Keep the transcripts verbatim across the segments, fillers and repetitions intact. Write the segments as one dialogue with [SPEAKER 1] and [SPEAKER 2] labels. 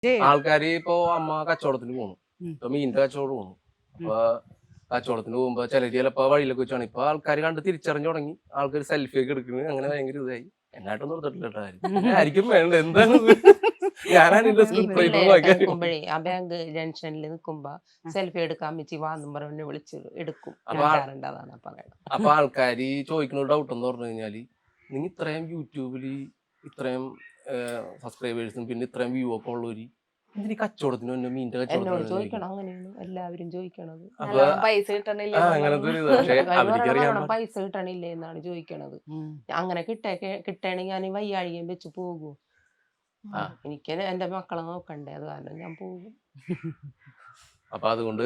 [SPEAKER 1] ആൾക്കാര് ഇപ്പൊ അമ്മ കച്ചവടത്തിന് പോകുന്നു, ഇപ്പൊ മീനിന്റെ കച്ചവടം പോകുന്നു. അപ്പൊ കച്ചവടത്തിന് പോകുമ്പോ ചിലര് ചിലപ്പോ വഴിയിലൊക്കെ വെച്ചാണ് ഇപ്പൊ ആൾക്കാർ കണ്ട് തിരിച്ചറിഞ്ഞു തുടങ്ങി. ആൾക്കാർ സെൽഫി ഒക്കെ എടുക്കുന്നത് അങ്ങനെ ഭയങ്കര ഇതായി. എന്നായിട്ടൊന്നും എടുത്തിട്ടില്ല ആയിരിക്കും വേണ്ട എന്താണ് ഞാനാണ് ഇതിന്റെ
[SPEAKER 2] നിൽക്കുമ്പോഴേ ആ ബാങ്ക് ജംഗ്ഷനിൽ നിൽക്കുമ്പോ സെൽഫി എടുക്കാൻ വെച്ച് വാന്നും പറഞ്ഞ് വിളിച്ച് എടുക്കും. അതാണ് പറയുന്നത്.
[SPEAKER 1] അപ്പൊ ആൾക്കാര് ചോദിക്കുന്ന ഡൗട്ട് എന്ന് പറഞ്ഞു കഴിഞ്ഞാല് നിങ്ങൾ ഇത്രയും യൂട്യൂബില് ഇത്രയും സബ്സ്ക്രൈബേഴ്സും പിന്നെ ഇത്രയും വ്യൂ ഒക്കെ ഉള്ളവര് ഇതിന് കച്ചവടത്തിന് തന്നെ മീനിന്റെ കച്ചവടം
[SPEAKER 2] ചോദിക്കണം. അങ്ങനെയാണ് എല്ലാവരും ചോദിക്കണത്.
[SPEAKER 3] പൈസ കിട്ടണില്ല,
[SPEAKER 2] പൈസ കിട്ടണില്ലേ എന്നാണ് ചോദിക്കണത്. അങ്ങനെ കിട്ടേ കിട്ടണെങ്കിൽ ഞാൻ വയ്യാഴികയും വെച്ച് പോകും. എനിക്ക് എന്റെ മക്കളെ നോക്കണ്ടേ, അത് കാരണം ഞാൻ പോകും.
[SPEAKER 1] അപ്പൊ അതുകൊണ്ട്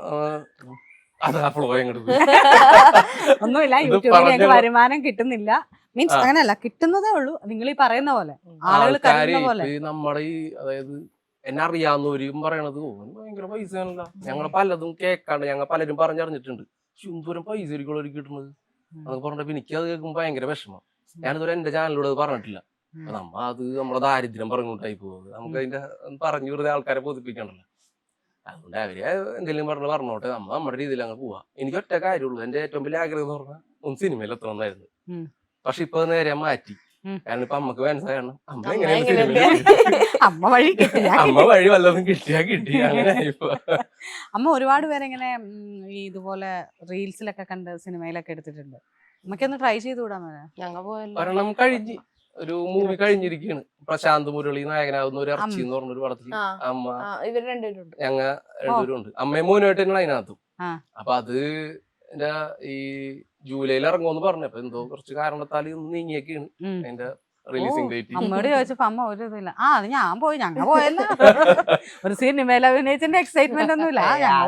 [SPEAKER 4] ഒന്നുമില്ല, യൂട്യൂബിൽ വരുമാനം കിട്ടുന്നില്ല മീൻസ് അങ്ങനെയല്ല, കിട്ടുന്നതേ ഉള്ളൂ. നിങ്ങൾ ഈ പറയുന്ന പോലെ ആളുകൾ കരുതുന്ന പോലെ.
[SPEAKER 1] നമ്മുടെ ഈ അതായത് എന്നെ അറിയാവുന്നവരും പറയണത് ഭയങ്കര പൈസയാണല്ലോ, ഞങ്ങൾ പലതും കേൾക്കാണ്ട് ഞങ്ങൾ പലരും പറഞ്ഞറിഞ്ഞിട്ടുണ്ട്. എന്തോരം പൈസ ആയിരിക്കും കിട്ടുന്നത് എന്നൊക്കെ പറഞ്ഞപ്പോ എനിക്ക് അത് കേൾക്കുമ്പോൾ ഭയങ്കര വിഷമം. ഞാനിതുവരെ എന്റെ ചാനലിലൂടെ അത് പറഞ്ഞിട്ടില്ല. നമ്മ അത് നമ്മുടെ ദാരിദ്ര്യം പറഞ്ഞുകൊണ്ടായി പോകുന്നത്. നമുക്ക് അതിന്റെ പറഞ്ഞു വെറുതെ ആൾക്കാരെ ബോധിപ്പിക്കണല്ലോ. അതുകൊണ്ട് അവര് എന്തെങ്കിലും പറഞ്ഞ് പറഞ്ഞോട്ടെ, നമ്മ നമ്മുടെ രീതിയിൽ അങ്ങ് പോവാ. എനിക്ക് ഒറ്റ കാര്യമുള്ളൂ, എന്റെ ഏറ്റവും വലിയ ആഗ്രഹം എന്ന് പറഞ്ഞാൽ ഒന്ന് സിനിമയിൽ എത്തണമെന്നായിരുന്നു. പക്ഷെ ഇപ്പൊ നേരെ മാറ്റി. കാരണം ഇപ്പൊ അമ്മക്ക് മനസ്സിലാകണം അമ്മ എങ്ങനെയാണ്
[SPEAKER 4] അമ്മ വഴി
[SPEAKER 1] അമ്മ വഴി വല്ലതും കിട്ടിയാ കിട്ടി. അങ്ങനെ
[SPEAKER 4] അമ്മ ഒരുപാട് പേരെങ്ങനെ ഇതുപോലെ റീൽസിലൊക്കെ കണ്ട് സിനിമയിലൊക്കെ എടുത്തിട്ടുണ്ട്. നമുക്കൊന്ന് ട്രൈ ചെയ്തുകൂടാ?
[SPEAKER 2] ഞങ്ങൾ
[SPEAKER 1] ഒരെണ്ണം കഴിഞ്ഞ് ഒരു മൂവി കഴിഞ്ഞിരിക്കുകയാണ്. പ്രശാന്ത് മുരളി നായകനാവുന്ന ഒരു ഇറച്ചി എന്ന് പറഞ്ഞൊരു പടത്തിൽ അമ്മ
[SPEAKER 3] ഇവർ രണ്ടുപേരുണ്ട്,
[SPEAKER 1] ഞങ്ങ രണ്ടുപേരും ഉണ്ട്. അമ്മയും മോനുമായിട്ട് തന്നെയാണ് അതിനകത്തും. അപ്പൊ അത് എന്റെ ഈ ജൂലൈയിൽ ഇറങ്ങുമെന്ന് പറഞ്ഞപ്പോ എന്തോ കുറച്ച് കാരണത്താൽ നീങ്ങിയൊക്കെയാണ് അതിന്റെ റിലീസിംഗ് ഡേറ്റ്.
[SPEAKER 4] അമ്മയോട് ചോദിച്ചപ്പോ അമ്മ ഒരു ഇതില്ല. ആ അത് ഞാൻ പോയി, ഞങ്ങ പോയല്ല. ഒരു സിനിമയിൽ അഭിനയിച്ചതിന്റെ എക്സൈറ്റ്മെന്റ് ഒന്നുമില്ല.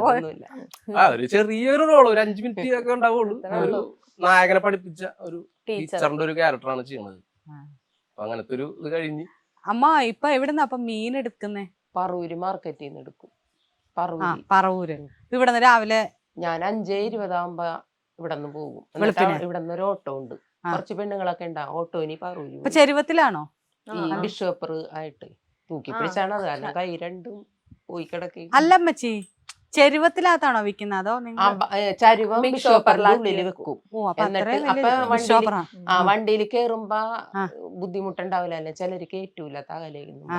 [SPEAKER 1] ആ ഒരു ചെറിയൊരു റോള്, ഒരു അഞ്ചു മിനിറ്റ് ഒക്കെ ഉണ്ടാവുള്ളൂ. ഒരു നായകനെ പഠിപ്പിച്ച ഒരു ടീച്ചറിന്റെ ഒരു ക്യാരക്ടറാണ് ചെയ്യണത്. അപ്പൊ അങ്ങനത്തെ ഒരു ഇത് കഴിഞ്ഞ്
[SPEAKER 4] അമ്മ ഇപ്പൊ എവിടുന്ന അപ്പൊ മീൻ എടുക്കുന്നേ?
[SPEAKER 2] പറവൂര് മാർക്കറ്റിൽ നിന്ന് എടുക്കും.
[SPEAKER 4] പറവൂര് ഇവിടെ നിന്ന് രാവിലെ
[SPEAKER 2] ഞാൻ അഞ്ചേ ഇരുപതാകുമ്പോ ഇവിടെ നിന്ന് പോകും. ഇവിടെ നിന്ന് ഒരു ഓട്ടോ ഉണ്ട്, കുറച്ച് പെണ്ണുങ്ങളൊക്കെ ഉണ്ടാവും ഓട്ടോനി പറവൂര്.
[SPEAKER 4] ചെരുവത്തിലാണോ?
[SPEAKER 2] ടിഷ്യൂ പേപ്പർ ആയിട്ട് തൂക്കി പിടിച്ചാണ് അത്, കാരണം കൈ രണ്ടും പോയി കിടക്കി.
[SPEAKER 4] അല്ലമ്മച്ചി, ചെരുവത്തിനകത്താണോ വിൽക്കുന്നത് അതോ
[SPEAKER 2] ചരുവം ടിഷ്യൂപേപ്പറിനുള്ളിൽ വെക്കും. എന്നിട്ട് ആ വണ്ടിയിൽ കേറുമ്പോ ബുദ്ധിമുട്ടുണ്ടാവില്ല, അല്ലെ ചിലര് കേറ്റൂല തകലേന്ന്.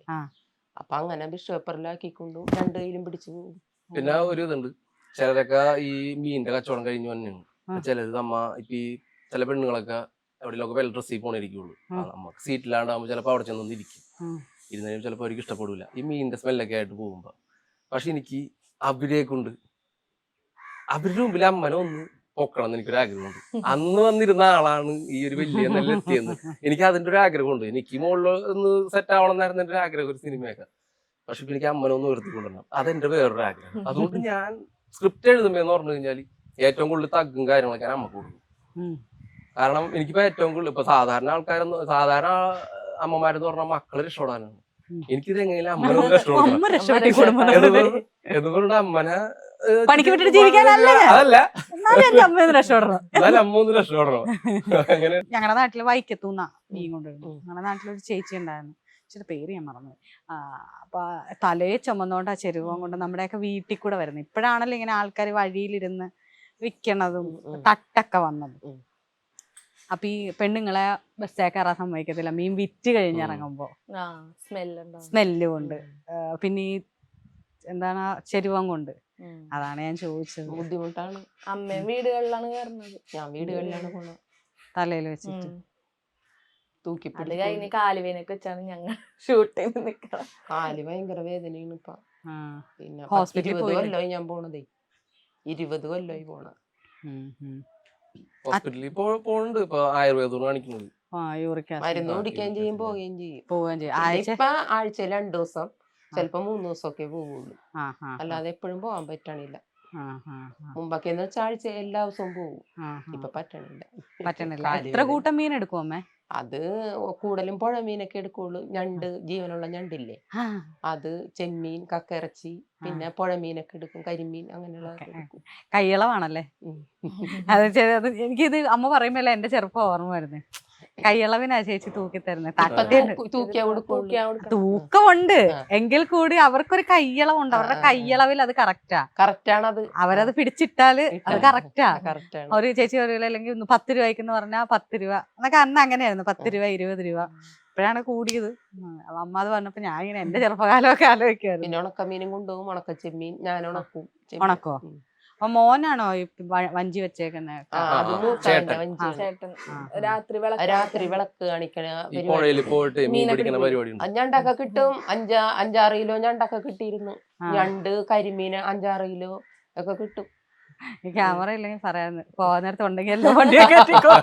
[SPEAKER 2] അപ്പൊ അങ്ങനെ ടിഷ്യൂപേപ്പറിലാക്കിക്കൊണ്ടും രണ്ടു കയ്യിലും പിടിച്ചു പോകും.
[SPEAKER 1] പിന്നെ ഒരു ഇതുണ്ട്, ചിലരൊക്കെ ഈ മീനിന്റെ കച്ചവടം കഴിഞ്ഞു തന്നെയാണ്. ചിലത് നമ്മ ഇപ്പൊ ഈ ചില പെണ്ണുങ്ങളൊക്കെ എവിടെയൊക്കെ വെൽ ഡ്രസ്സിൽ പോണിരിക്കുള്ളൂ. നമുക്ക് സീറ്റിലാണ്ടാകുമ്പോ ചിലപ്പോ അവിടെ ചെന്നൊന്നും ഇരിക്കും. ഇരുന്നാലും ചിലപ്പോ അവർക്ക് ഇഷ്ടപ്പെടില്ല ഈ മീനിന്റെ സ്മെല്ലൊക്കെ ആയിട്ട് പോകുമ്പോ. പക്ഷെ എനിക്ക് അവരെ കൊണ്ട് അവരുടെ മുമ്പിൽ അമ്മനെ ഒന്ന് പൊക്കണം എന്ന് എനിക്കൊരു ആഗ്രഹമുണ്ട്. അന്ന് വന്നിരുന്ന ആളാണ് ഈ ഒരു വലിയ നല്ല എത്തിയെന്ന് എനിക്ക് അതിന്റെ ഒരു ആഗ്രഹമുണ്ട്. എനിക്ക് മുകളിൽ ഒന്ന് സെറ്റ് ആവണം എന്നായിരുന്നു എന്റെ ഒരു ആഗ്രഹം, ഒരു സിനിമയൊക്കെ. പക്ഷെ ഇപ്പൊ എനിക്ക് അമ്മനെ ഒന്ന് ഉയർത്തിക്കൊണ്ടുവരണം, അതെന്റെ വേറൊരു ആഗ്രഹം. അതുകൊണ്ട് ഞാൻ സ്ക്രിപ്റ്റ് എഴുതുമ്പോ പറഞ്ഞു കഴിഞ്ഞാല് ഏറ്റവും കൂടുതൽ തഗ്ഗും കാര്യങ്ങളൊക്കെ ഞാൻ അമ്മക്ക് കൊടുക്കും. കാരണം എനിക്കിപ്പോ ഏറ്റവും കൂടുതൽ ഇപ്പൊ സാധാരണ ആൾക്കാരൊന്നും സാധാരണ അമ്മമാരെന്ന് പറഞ്ഞാൽ മക്കളെ രക്ഷപ്പെടാനാണ്. എനിക്കിത് എങ്ങനെയും അമ്മനെ ഒന്ന് രക്ഷപ്പെടണം. എന്തുകൊണ്ട് അമ്മനെ
[SPEAKER 4] പണിക്ക് വിട്ടിട്ട് ജീവിക്കാനല്ല,
[SPEAKER 1] അതല്ല
[SPEAKER 4] അമ്മ ഒന്ന് രക്ഷപ്പെടണം.
[SPEAKER 1] അമ്മ ഒന്ന് രക്ഷപ്പെടണം. അങ്ങനെ
[SPEAKER 4] ഞങ്ങളുടെ നാട്ടില് വൈക്കത്തൂന്ന മീൻ കൊണ്ടുവരുന്നു. ഞങ്ങളുടെ നാട്ടിലൊരു ചേച്ചി ഉണ്ടായിരുന്നു, ചേച്ചിയുടെ പേര് ഞാൻ മറന്നു. ആ അപ്പൊ തലയെ ചുമന്നോണ്ട് ആ ചെരുവം കൊണ്ട് നമ്മുടെയൊക്കെ വീട്ടിൽ കൂടെ വരുന്നത്. ഇപ്പോഴാണല്ലോ ഇങ്ങനെ ആൾക്കാർ വഴിയിലിരുന്ന് വിൽക്കണതും തട്ടൊക്കെ വന്നത്. അപ്പൊ ഈ പെണ്ണുങ്ങളെ ബസ്സേ കയറാൻ സമ്മതിക്കത്തില്ല, മീൻ വിറ്റ് കഴിഞ്ഞിറങ്ങുമ്പോ സ്മെല്ല് കൊണ്ട്. പിന്നെ ഈ എന്താണ് ചെരുവം കൊണ്ട്. അതാണ് ഞാൻ ചോദിച്ചത്.
[SPEAKER 2] ബുദ്ധിമുട്ടാണ്.
[SPEAKER 3] അമ്മയും വീടുകളിലാണ് കയറുന്നത്,
[SPEAKER 2] ഞാൻ വീടുകളിലാണ് പോണത്.
[SPEAKER 4] തലയിൽ വെച്ചിട്ട്
[SPEAKER 2] തൂക്കി
[SPEAKER 3] അത് കഴിഞ്ഞ് കാലുവേനൊക്കെ വെച്ചാണ് ഞങ്ങൾ ഷൂട്ട് ചെയ്ത് നിക്കണം.
[SPEAKER 2] കാല് ഭയങ്കര വേദനയാണ് ഇപ്പൊ. പിന്നെ
[SPEAKER 4] ഹോസ്പിറ്റലിൽ
[SPEAKER 2] ഇരുപത് കൊല്ലമായി ഞാൻ പോണതേ, ഇരുപത് കൊല്ലമായി പോണ.
[SPEAKER 1] ഹോസ്പിറ്റലിൽ പോണുണ്ട് ഇപ്പൊ ആയുർവേദം കാണിക്കുന്നത്.
[SPEAKER 2] മരുന്ന് കുടിക്കുകയും ചെയ്യും പോവുകയും ചെയ്യും.
[SPEAKER 4] പോവുകയും ചെയ്യും.
[SPEAKER 2] ഇപ്പൊ ആഴ്ചയിൽ രണ്ടു ദിവസം ചിലപ്പോ മൂന്ന് ദിവസമൊക്കെ പോവുള്ളൂ, അല്ലാതെ എപ്പോഴും പോവാൻ പറ്റണില്ല. മുമ്പൊക്കെ എന്ന് വെച്ചാൽ ആഴ്ച എല്ലാ ദിവസവും പോവും, ഇപ്പൊ പറ്റണില്ല
[SPEAKER 4] പറ്റണില്ല എത്ര കൂട്ടം മീൻ എടുക്കും അമ്മേ?
[SPEAKER 2] അത് കൂടുതലും പുഴ മീനൊക്കെ എടുക്കുള്ളൂ. ഞണ്ട്, ജീവനുള്ള ഞണ്ടില്ലേ അത്, ചെമ്മീൻ, കക്കയിറച്ചി, പിന്നെ പുഴ മീനൊക്കെ എടുക്കും, കരിമീൻ അങ്ങനെയുള്ള.
[SPEAKER 4] കയ്യളവാണല്ലേ? അത് എനിക്കിത് അമ്മ പറയുമ്പോഴല്ലേ എന്റെ ചെറുപ്പം ഓർമ്മ വരുന്നത്. കൈയളവിനാ ചേച്ചി തൂക്കി തരുന്നത്.
[SPEAKER 2] ഇപ്പൊ
[SPEAKER 4] തട്ടേണ്ട്
[SPEAKER 2] തൂക്കി- തൂക്കിയാ കൊടുക്കുള്ളൂ.
[SPEAKER 3] തൂക്കിയാ കൊടുക്കണം.
[SPEAKER 4] തൂക്കമുണ്ട്
[SPEAKER 2] ആ.
[SPEAKER 4] എങ്കിൽ കൂടി അവർക്കൊരു കയ്യളവുണ്ട്. അവരുടെ
[SPEAKER 2] ആ, ആ, ആ.
[SPEAKER 4] കയ്യളവിൽ അത് കറക്റ്റാ.
[SPEAKER 2] കറക്റ്റ് ആണത്.
[SPEAKER 4] അവരത് പിടിച്ചിട്ടാല് അത് കറക്റ്റാ.
[SPEAKER 2] കറക്റ്റ് ആണ്.
[SPEAKER 4] ഒരു ചേച്ചി പറയൂല, അല്ലെങ്കിൽ ഒന്ന് പത്ത് രൂപയ്ക്കെന്ന് പറഞ്ഞാൽ പത്ത് രൂപ എന്നൊക്കെ അന്ന് അങ്ങനെയായിരുന്നു. പത്ത് രൂപ ഇരുപത് രൂപ ഇപ്പോഴാണ് കൂടിയത്. ഉം. അപ്പൊ അമ്മ അത് പറഞ്ഞപ്പോ ഞാൻ ഇങ്ങനെ എന്റെ ചെറുപ്പകാലമൊക്കെ ആലോചിക്കുമായിരുന്നു.
[SPEAKER 2] പിന്നെ ഉണക്കമീനും കൊണ്ടുപോകും, ഉണക്ക ചെമ്മീൻ ഞാൻ ഉണക്കും. ചെമ്മീൻ.
[SPEAKER 4] ഉണക്കോ?
[SPEAKER 2] ഉം.
[SPEAKER 4] അപ്പൊ മോനാണോ ഈ വ- വഞ്ചി വെച്ചേക്കുന്നത്?
[SPEAKER 2] ആ, അത്
[SPEAKER 1] ആ,
[SPEAKER 2] മൂത്തവന്റെ
[SPEAKER 1] ചേട്ടൻ.
[SPEAKER 2] വഞ്ചിയാണ്.
[SPEAKER 3] ചേട്ടൻ
[SPEAKER 4] ആ.
[SPEAKER 3] രാത്രി വിളക്ക്
[SPEAKER 2] രാത്രി വിളക്ക് കാണിക്കണ
[SPEAKER 1] ഈ
[SPEAKER 2] പരിപാടി.
[SPEAKER 1] പുഴയിൽ പോയിട്ട് മീൻ
[SPEAKER 3] മീനൊക്കെ
[SPEAKER 1] പിടിക്കുന്ന
[SPEAKER 3] പിടിക്കും.
[SPEAKER 1] പരിപാടി ഉണ്ട്.
[SPEAKER 2] ഞണ്ടൊക്കെ കിട്ടും. അഞ്ചാ അഞ്ചാറ് കിലോ ഞണ്ടൊക്കെ കിട്ടിയിരുന്നു.
[SPEAKER 4] ആ.
[SPEAKER 2] ഞണ്ട് കരിമീൻ അഞ്ചാറ് കിലോ ഒക്കെ കിട്ടും.
[SPEAKER 4] ഈ ക്യാമറ ഇല്ലെങ്കിൽ പറയാന്ന് പോകാൻ നേരത്തെ ഉണ്ടെങ്കിൽ എല്ലാം വണ്ടിയൊക്കെ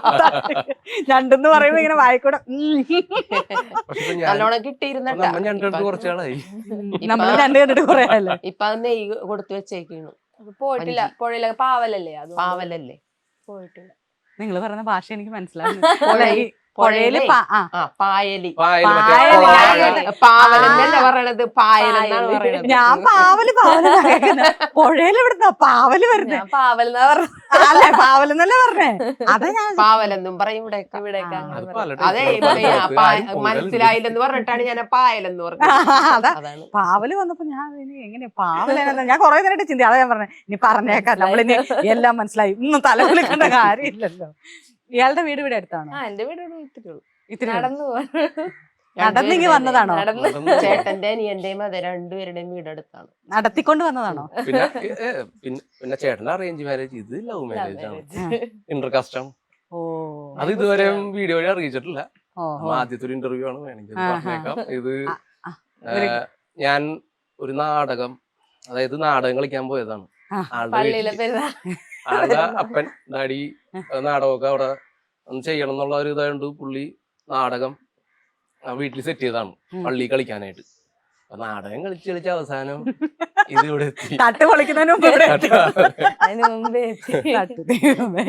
[SPEAKER 4] ഞണ്ടെന്ന് പറയുമ്പോ ഇങ്ങനെ വായിക്കൂടെ ഉം.
[SPEAKER 1] പക്ഷെ ഇപ്പൊ ഞാൻ
[SPEAKER 2] നല്ലോണം കിട്ടിയിരുന്നട്ടാ.
[SPEAKER 1] നമ്മ ഞണ്ടെടുത്ത് കുറച്ചാളായി.
[SPEAKER 4] നമ്മള് രണ്ട് കണ്ടിട്ട് കുറേ അല്ലേ.
[SPEAKER 2] ഇപ്പൊ അത് നെയ്യ് കൊടുത്തു വെച്ചേക്കാണ്.
[SPEAKER 3] അപ്പൊ പോയിട്ടില്ല.
[SPEAKER 2] വഞ്ചി.
[SPEAKER 3] പുഴയിലൊക്കെ പാവലല്ലേ അത്
[SPEAKER 2] പാവലല്ലേ.
[SPEAKER 3] പോയിട്ടില്ല.
[SPEAKER 4] നിങ്ങൾ പറയുന്ന ഭാഷ എനിക്ക് മനസ്സിലാവുന്നു.
[SPEAKER 2] പുഴ-
[SPEAKER 4] ഈ പുഴയില് പാ- ആ
[SPEAKER 2] ആ പായലി.
[SPEAKER 1] പായല് മറ്റേ
[SPEAKER 4] പായല്,
[SPEAKER 1] കുളം
[SPEAKER 4] പായല്.
[SPEAKER 1] കാണാൻ.
[SPEAKER 2] പാവലെന്നല്ല പറയണത്, പായലെന്നാണ് പറയണത്.
[SPEAKER 4] ഞാൻ പാവല് പാവല് പുഴയിൽ ഇവിടുന്ന പാവല് വരുന്നേ.
[SPEAKER 3] ഞാൻ പാവലെന്നാ പറഞ്ഞത്.
[SPEAKER 4] അല്ലെ പാവലെന്നല്ലേ പറഞ്ഞേ. അതാ ഞാൻ
[SPEAKER 2] പാവലെന്നും പറയും ഇവിടെ.
[SPEAKER 3] ഇവിടേക്ക്
[SPEAKER 4] ആ,
[SPEAKER 3] അങ്ങനെ
[SPEAKER 1] അത്
[SPEAKER 3] പറയും.
[SPEAKER 1] പല
[SPEAKER 2] അതെ
[SPEAKER 1] type
[SPEAKER 2] ഇപ്പൊ
[SPEAKER 1] ആണ്.
[SPEAKER 2] ഈ
[SPEAKER 1] അത്
[SPEAKER 2] പാ-
[SPEAKER 1] ആരും കൂടുതലുണ്ട്.
[SPEAKER 2] മനസ്സിലായില്ലെന്ന് പറഞ്ഞിട്ടാണ് ഞാൻ പായലെന്ന് പറഞ്ഞത്.
[SPEAKER 4] അതാ
[SPEAKER 2] അതാണ്.
[SPEAKER 4] പാവല് വന്നപ്പോ ഞാൻ ഇനി എങ്ങനെ പാവലെന്നാ ഞാൻ കുറെ നേരമായിട്ട് ചിന്തി. അതാ ഞാൻ പറഞ്ഞത് ഇനി പറഞ്ഞേക്കാം നമ്മളിനി എല്ലാം മനസ്സിലായി. ഇന്നും തലവിളിക്കേണ്ട കാര്യമില്ലല്ലോ. ഇയാളുടെ വീട് ഇവിടെ അടുത്താണോ?
[SPEAKER 3] ആ എന്റെ വീട് ഇവിടെ ഇത്തിരി ഉള്ളൂ.
[SPEAKER 4] ഇത്തിരി
[SPEAKER 3] നടന്നു പോവാൻ.
[SPEAKER 4] നടന്നിങ്ങി വന്നതാണോ?
[SPEAKER 3] നടന്ന്
[SPEAKER 1] നടന്ന്
[SPEAKER 2] ചേട്ടന്റെ അനിയന്റെയും അതെ രണ്ടുപേരുടെയും വീടടുത്താണ്.
[SPEAKER 4] നടത്തിക്കൊണ്ട് വന്നതാണോ?
[SPEAKER 1] പിന്നെ ഏ, ഏ, പിന്നെ പിന്നെ ചേട്ടന്റെ അറേഞ്ച് മാരേജ്, ഇത് ലവ് മാരേജ് ആണ്. ഇന്റർകാസ്റ്റ് ആണ്.
[SPEAKER 4] ഓ
[SPEAKER 1] അത് ഇതുവരെ വീഡിയോ വഴി അറിയിച്ചിട്ടില്ല.
[SPEAKER 4] ഓ
[SPEAKER 1] നമ്മ ആദ്യത്തെ ഒരു ഇന്റർവ്യൂ ആണ്, വേണമെങ്കിൽ
[SPEAKER 4] ആഹാ.
[SPEAKER 1] പറഞ്ഞേക്കാം. ഇത്
[SPEAKER 4] ആ, ആ,
[SPEAKER 1] ഏ,
[SPEAKER 4] ഒരു-
[SPEAKER 1] ഞാൻ ഒരു നാടകം, അതായത് നാടകം കളിക്കാൻ പോയതാണ്.
[SPEAKER 4] ആ.
[SPEAKER 1] ആളുടെ
[SPEAKER 3] പള്ളിയിലെ
[SPEAKER 1] വീട്ടില്
[SPEAKER 3] പെരുന്നാൾ.
[SPEAKER 1] ആളുടെ അപ്പൻ ഡാഡി നാടകമൊക്കെ അവിടെ ഒന്ന് ചെയ്യണം എന്നുള്ള ഒരു ഇതായത് പുള്ളി നാടകം വീട്ടിൽ സെറ്റ് ചെയ്തതാണ്
[SPEAKER 4] ഉം.
[SPEAKER 1] പള്ളി കളിക്കാനായിട്ട്. അപ്പൊ നാടകം കളിച്ച് കളിച്ച് അവസാനം ഇത് ഇവിടെ എത്തി.
[SPEAKER 4] തട്ട് പൊളിക്കുന്നതിന് മുമ്പ് ഇവിടെ എത്തി.
[SPEAKER 3] അതിന് മുമ്പേ എത്തി.
[SPEAKER 4] തട്ട് ദൈവമേ.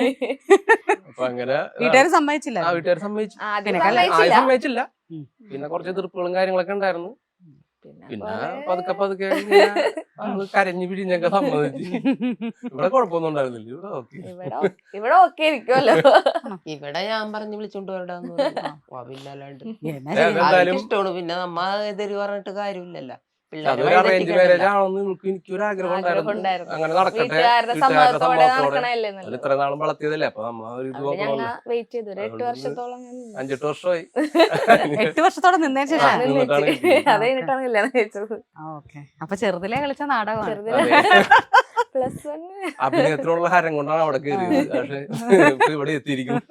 [SPEAKER 1] അപ്പൊ അങ്ങനെ
[SPEAKER 4] വീട്ടുകാര് സമ്മതിച്ചില്ല.
[SPEAKER 1] ആ വീട്ടുകാർ സമ്മതിച്ചു.
[SPEAKER 3] ആദ്യം
[SPEAKER 4] പിന്നെ
[SPEAKER 1] ആദ്യം
[SPEAKER 3] സമ്മതിച്ചില്ല.
[SPEAKER 1] സമ്മതിച്ചില്ല.
[SPEAKER 4] ഉം.
[SPEAKER 1] പിന്നെ കുറച്ച് എതിർപ്പുകളും കാര്യങ്ങളൊക്കെ ഉണ്ടായിരുന്നു.
[SPEAKER 3] പിന്നെ
[SPEAKER 1] പിന്നെ
[SPEAKER 3] കുറെ-
[SPEAKER 1] പതുക്കെ പതുക്കെ ഇങ്ങനെ ആള് കരഞ്ഞു പിഴിഞ്ഞൊക്കെ സമ്മതിച്ചു. ഇവിടെ കുഴപ്പമൊന്നും ഉണ്ടായിരുന്നില്ല. ഇവിടെ ഓക്കെ.
[SPEAKER 3] ഇവിടെ ഓ- ഇവിടെ ഓക്കെ ഇരിക്കുമല്ലോ.
[SPEAKER 2] ഇവിടെ ഞാൻ പറഞ്ഞു വിളിച്ചോണ്ട് വരടാന്ന് പിന്നല്ലാണ്ട്
[SPEAKER 4] എന്നാ ചെയ്യാ?
[SPEAKER 1] എന്തായാലും
[SPEAKER 2] ഇഷ്ടമാണ്. പിന്നെ നമ്മ എതിര് പറഞ്ഞിട്ട് കാര്യമില്ലല്ലോ. പിള്ളേരെ
[SPEAKER 1] അതൊരു
[SPEAKER 2] വഴി
[SPEAKER 1] അറേഞ്ച് മാരേജ്
[SPEAKER 2] തെറ്റിക്കണ്ടല്ലോ.
[SPEAKER 1] ആണെന്ന് എനിക്ക് എനിക്കൊരു ആഗ്രഹം
[SPEAKER 3] ആഗ്രഹം
[SPEAKER 1] ഉണ്ടായിരുന്നു.
[SPEAKER 3] ഉണ്ടായിരുന്നു.
[SPEAKER 1] അങ്ങനെ നടക്കട്ടെ,
[SPEAKER 3] വീട്ടുകാരുടെ
[SPEAKER 1] വീട്ടുകാരുടെ
[SPEAKER 3] സമ്മതത്തോടെ
[SPEAKER 1] സമ്മതത്തോടെ.
[SPEAKER 3] നടക്കണല്ലേ
[SPEAKER 1] അത്
[SPEAKER 3] നല്ലത്.
[SPEAKER 1] ഇത്ര നാളും വളർത്തിയതല്ലേ, അപ്പൊ നമ്മ ഒരു ഇത്
[SPEAKER 3] അവിടെ ഞങ്ങൾ
[SPEAKER 1] നോക്കണമല്ലോ.
[SPEAKER 3] വെയിറ്റ് ചെയ്തു ഒരു എട്ട്
[SPEAKER 1] അതുകൊണ്ട്
[SPEAKER 3] വർഷത്തോളം ഞാൻ നിന്നു.
[SPEAKER 1] അഞ്ചെട്ട് വർഷമായി.
[SPEAKER 4] എട്ട് വർഷത്തോടെ നിന്നതിന്
[SPEAKER 3] ആ,
[SPEAKER 4] ശേഷം
[SPEAKER 1] നിന്നിട്ടാണ്
[SPEAKER 3] നിന്നിട്ട്
[SPEAKER 1] കിട്ടിയത്.
[SPEAKER 3] അത് കഴിഞ്ഞിട്ടാണ് കല്യാണം കഴിച്ചത്.
[SPEAKER 4] ഓക്കെ. അപ്പൊ ചെറുതിലെ കളിച്ച നാടകമാണ്.
[SPEAKER 3] ചെറുതിലെ
[SPEAKER 1] അതെ.
[SPEAKER 3] പ്ലസ് വൺ
[SPEAKER 1] അഭിനയത്തിനുള്ള ഹരം കൊണ്ടാണ് അവിടെ കയറിയത്. പക്ഷെ ഇപ്പൊ ഇവിടെ എത്തിയിരിക്കും.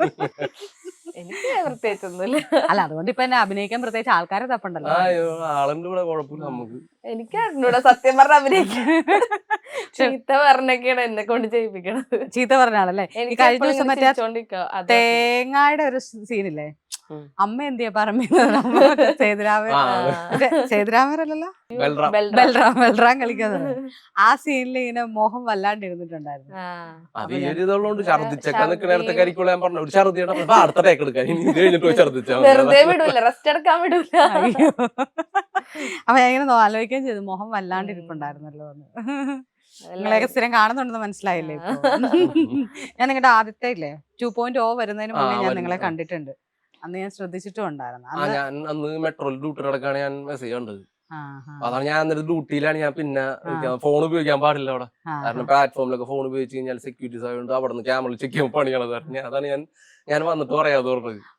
[SPEAKER 3] എനിക്ക് പ്രത്യേകിച്ചൊന്നുമില്ല.
[SPEAKER 4] അല്ല അതുകൊണ്ട് ഇപ്പൊ എന്നെ അഭിനയിക്കാൻ പ്രത്യേകിച്ച് ആൾക്കാരെ തപ്പുണ്ടല്ലോ.
[SPEAKER 1] ആ ആളുണ്ട് ഇവിടെ, കുഴപ്പമില്ല നമുക്ക്.
[SPEAKER 3] എനിക്ക് അറിഞ്ഞൂടാ സത്യം പറഞ്ഞ അഭിനയിക്കാൻ. ചീത്ത പറഞ്ഞൊക്കെയാണ് എന്നെ കൊണ്ട് ചെയ്യിപ്പിക്കണത്.
[SPEAKER 4] ചീത്ത പറഞ്ഞ ആളല്ലേ. ഈ
[SPEAKER 3] എനിക്ക്
[SPEAKER 4] കഴിഞ്ഞ
[SPEAKER 3] എപ്പോഴും
[SPEAKER 4] ദിവസം
[SPEAKER 3] ഇങ്ങനെ
[SPEAKER 4] മറ്റേ
[SPEAKER 3] ചിരിച്ചോണ്ടിരിക്കുക. അത്
[SPEAKER 4] തേങ്ങായുടെ ഒരു സീനില്ലേ,
[SPEAKER 2] ഉം.
[SPEAKER 4] അമ്മ എന്തിയാ പറയുന്നത് സേതുരാമൻ,
[SPEAKER 1] ആ,
[SPEAKER 4] മറ്റേ സേതുരാമരല്ലല്ലോ
[SPEAKER 1] ബൽറാം.
[SPEAKER 3] ബൽറാം.
[SPEAKER 4] ബൽറാം ബൽറാം കളിക്കുന്നത്. ആ സീനിൽ ഇങ്ങനെ മോഹം വല്ലാണ്ട് ഇരുന്നിട്ടുണ്ടായിരുന്നു.
[SPEAKER 3] ആ.
[SPEAKER 1] അത് ഈ ഒരു ഇതുള്ളതുകൊണ്ട് ഛർദിച്ചൊക്കെ
[SPEAKER 3] ഛർദി.
[SPEAKER 1] നിൽക്കണേരത്തെ കരിക്കുള്ള ഞാൻ പറഞ്ഞു ഒരു ഛർദിയുടെ അപ്പൊ അടുത്ത ടേക്ക് എടുക്കാൻ, ഇനി ഇത് കഴിഞ്ഞിട്ട് പോയി ഛർദിച്ചാ മതി.
[SPEAKER 3] വെറുതെ വിടൂല, റെസ്റ്റ് എടുക്കാൻ വിടൂല.
[SPEAKER 4] അയ്യോ. അപ്പൊ ഞാൻ ഇങ്ങനെ നോ- ആലോചിക്കുകയും ചെയ്തു, മോഹം വല്ലാണ്ട് ഇരിപ്പുണ്ടായിരുന്നല്ലോ എന്ന്. നിങ്ങളെയൊക്കെ സ്ഥിരം കാണുന്നുണ്ടെന്ന് മനസ്സിലായില്ലേ ഇപ്പൊ? ഞാൻ നിങ്ങളുടെ ആദ്യത്തെ ഇല്ലേ ടു പോയിന്റ് ഓ വരുന്നതിന് മുന്നേ
[SPEAKER 1] ആ,
[SPEAKER 4] ഞാൻ
[SPEAKER 1] വരും.
[SPEAKER 4] നിങ്ങളെ
[SPEAKER 1] ആ.
[SPEAKER 4] കണ്ടിട്ടുണ്ട്. അന്ന് ഞാൻ ശ്രദ്ധിച്ചിട്ടും ഉണ്ടായിരുന്നു.
[SPEAKER 1] ആ
[SPEAKER 4] അന്ന്
[SPEAKER 1] ഞാൻ അന്ന് മെട്രോയിൽ ഡ്യൂട്ടി നടക്കാണ് ഞാൻ മെസ്സേജ് കണ്ടത്.
[SPEAKER 4] ആ, ആ,
[SPEAKER 1] അപ്പൊ അതാണ് ഞാൻ അന്നേരം ഡ്യൂട്ടിയിലാണ്. ഞാൻ പിന്നെ
[SPEAKER 4] ആ.
[SPEAKER 1] ഫോൺ ഉപയോഗിക്കാൻ പാടില്ല അവിടെ.
[SPEAKER 4] ആ,
[SPEAKER 1] കാരണം പ്ലാറ്റ്ഫോമിലൊക്കെ ഫോൺ ഉപയോഗിച്ച് കഴിഞ്ഞാൽ സെക്യൂരിറ്റീസ് ആയതുകൊണ്ട് അവിടെ നിന്ന് ക്യാമറ ചെക്ക് ചെയ്യാൻ പണിയാണത്. ഞാൻ അതാണ് ഞാൻ ഞാൻ വന്നിട്ട് പറയാതെ പറഞ്ഞത്.